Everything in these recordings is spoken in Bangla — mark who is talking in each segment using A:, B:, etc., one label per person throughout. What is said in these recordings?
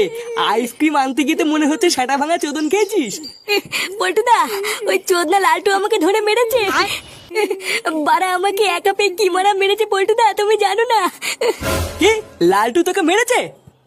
A: আইসক্রিম আনতে গিয়ে তো মনে হচ্ছে সেটা ভাঙা চোদন খেয়েছিস।
B: পল্টুদা, ওই চোদনা লালটু আমাকে ধরে মেরেছে। বাড়া আমাকে একা পেয়ে কি মারা মেরেছে পল্টুদা, তুমি জানো না?
A: কি লালটু তোকে মেরেছে?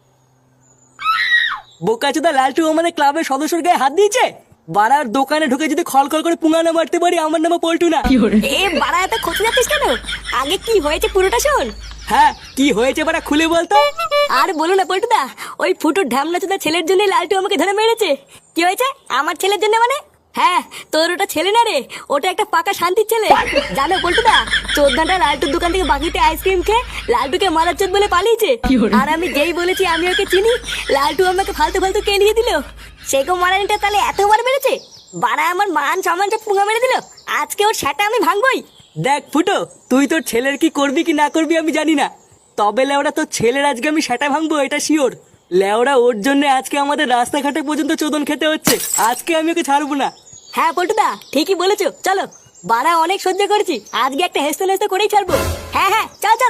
A: বোকাচোদা লালটু আমাদের ক্লাবের সদস্যর গায়ে হাত দিয়েছে। বাড়ার দোকানে ঢুকে যদি খলখল করে পুঙ্গানো মারতে পারি, আমার নামে পল্টু না।
B: এ বাড়া এত খোঁজ যাচ্ছিস কেন? আগে কি হয়েছে পুরোটা শোন।
A: হ্যাঁ কি হয়েছে বাড়া খুলে বলতো।
B: আর বলো না পল্টুদা, ওই ফুটুর ঢামনা চোদা ছেলের জন্য লালটু আমাকে ধরে মেরেছে। কি হয়েছে আমার ছেলের জন্য মানে? হ্যাঁ তোর ওটা ছেলে না রে, ওটা একটা পাকা শান্তির ছেলে। জানো পল্টুদা, চোদ্দাটা লালটুর দোকান থেকে বাকিতে আইসক্রিম খেয়ে লালটুকে মারার চোদ বলে পালিয়েছে। আর আমি যেই বলেছি আমি ওকে চিনি, লালটু আমাকে ফালতু ফালতু কেলিয়ে দিল। সেগো মারানিটা তাহলে এতবার মেরেছে। বাড়া আমার মান সম্মান সব পুঙ্গা মেরে দিল। আজকে ওর সেটা আমি ভাঙবই।
A: দেখ ফুটো, তুই তোর ছেলের কি করবি কি না করবি আমি জানি না, তবে লেওড়া তোর ছেলের আজকে আমি সেটা ভাঙবো এটা শিওর। লেওড়া ওর জন্য আজকে আমাদের রাস্তাঘাটে পর্যন্ত চোদন খেতে হচ্ছে। আজকে আমি ওকে ছাড়বো না।
B: হ্যাঁ পল্টুদা ঠিকই বলেছো, চলো। বাড়া অনেক সহ্য করেছি, আজকে একটা হেসতে নেস্তে করেই ছাড়বো। হ্যাঁ হ্যাঁ চল চল।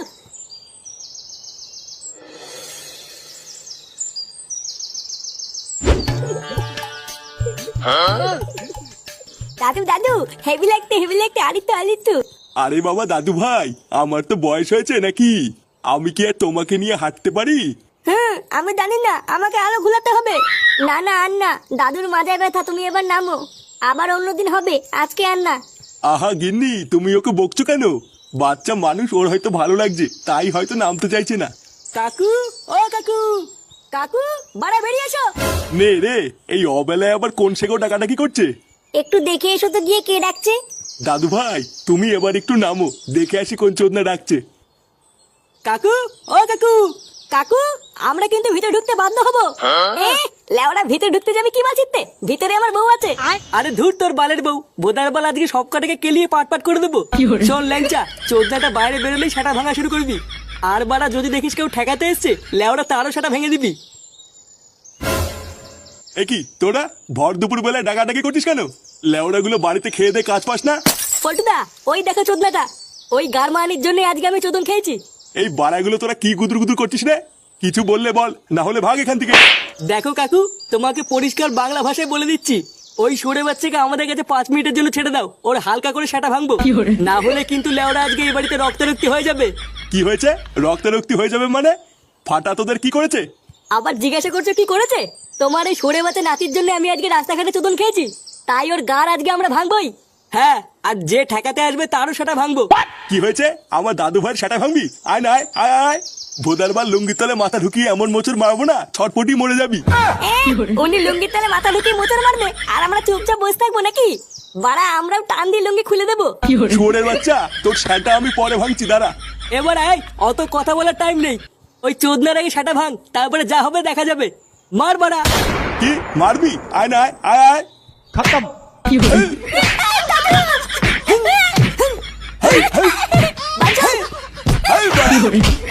B: দাদু দাদু, হেভি লাগতে আলিত্য।
C: আরে বাবা দাদু ভাই, আমার তো বয়স হয়েছে নাকি? আমি কি আর তোমাকে নিয়ে হাঁটতে পারি?
B: আমি জানি না, আমাকে আরো ঘুলাতে হবে। না না আর না, দাদুর মাজায় ব্যথা, তুমি এবার নামো। আবার অন্যদিন হবে, আজকে আর না।
C: আহা গিন্নি, তুমি ওকে বকছো কেন? বাচ্চা মানুষ, ওর হয়তো ভালো লাগছে তাই হয়তো নামতে চাইছে না।
A: কাকু, ও কাকু।
B: কাকু বাড়া বেরিয়ে এসো।
C: নে রে, এই অবেলায় আবার কোন সেগো ডাকাডাকি করছে?
B: একটু দেখে এসো তো গিয়ে কে ডাকছে।
C: দাদু ভাই তুমি এবার একটু নামো, দেখে আসি কোন চোদনা ডাকছে।
A: কাকু, ও কাকু।
B: কাকু আমরা কিন্তু ভিতরে ঢুকতে বাধ্য হবো। লেওড়া ভিতরে ঢুকতে যাবে কি মাছিতে? ভিতরে আমার বউ আছে।
A: আরে ধুর তোর বালের বউ, বোদার বাল আজকে সব কটাকে কেলিয়ে পাট পাট করে দেবো। শোন ল্যাংচা, চোদনাটা বাইরে বেরোলেই সেটা ভাঙা শুরু করবি। আর বাড়া যদি দেখিস কেউ ঠেকাতে এসছে, লেওড়া তারও সেটা ভেঙে দিবি।
C: এ কি তোরা ভর দুপুর বেলায় ডাকাডাকি করছিস কেন? লেওড়া গুলো বাড়িতে খেয়ে দে কাজ পাস না?
B: পল্টুদা ওই দেখো চোদনাটা, ওই গারমানির জন্য আজকে আমি চোদন খেয়েছি।
C: এই বাড়াগুলো তোরা কি গুদুর গুদুর করছিস রে? কিছু বললে বল, না হলে ভাগ এখান থেকে।
A: দেখো কাকু, তোমাকে পরিষ্কার বাংলা ভাষায় বলে দিচ্ছি, ওই সরে বাচ্চাকে আমাদের কাছে 5 মিনিটের জন্য ছেড়ে দাও, ওর হালকা করে সেটা ভাঙবো। না হলে কিন্তু লেওড়া আজকে এই বাড়িতে রক্তারক্তি হয়ে যাবে।
C: কি হয়েছে? রক্তারক্তি হয়ে যাবে মানে? ফাটা তোদের কি করেছে?
B: আবার জিজ্ঞাসা করছো কি করেছে? তোমার এই সরে বাচ্চা নাতির জন্য আমি আজকে রাস্তাঘাটে চোদন খেয়েছি, তাই ওর গার আজকে আমরা ভাঙবই।
A: হ্যাঁ, আর যে ঠেকাতে আসবে তারও সেটা ভাঙবো।
C: কি হয়েছে? আমার দাদু ভাইয়ের সেটা ভাঙবি? আয় না, আয় আয় আয়। ভোদারবার লুঙ্গির তলে মাথা ঢুকিয়ে এমন মোচড় মারবো না, ছটপটি মরে যাবি।
B: উনি লুঙ্গির তলে মাথা ঢুকিয়ে মোচড় মারবে, আর আমরা চুপচাপ বসে থাকবো নাকি? বাড়া আমরাও টান দিয়ে লুঙ্গি খুলে দেবো।
C: শুয়োরের বাচ্চা, তোর সেটা আমি পরে ভাঙছি, দাঁড়া।
A: এবার আয়, অত কথা বলার টাইম নেই। ওই চোদনার আগে সেটা ভাঙ, তারপরে যা হবে দেখা যাবে। মার বাড়া।
C: কি মারবি? আয় না, আয় আয় আয়।
A: খতম।
C: হেই, হেই, হেই, হেই,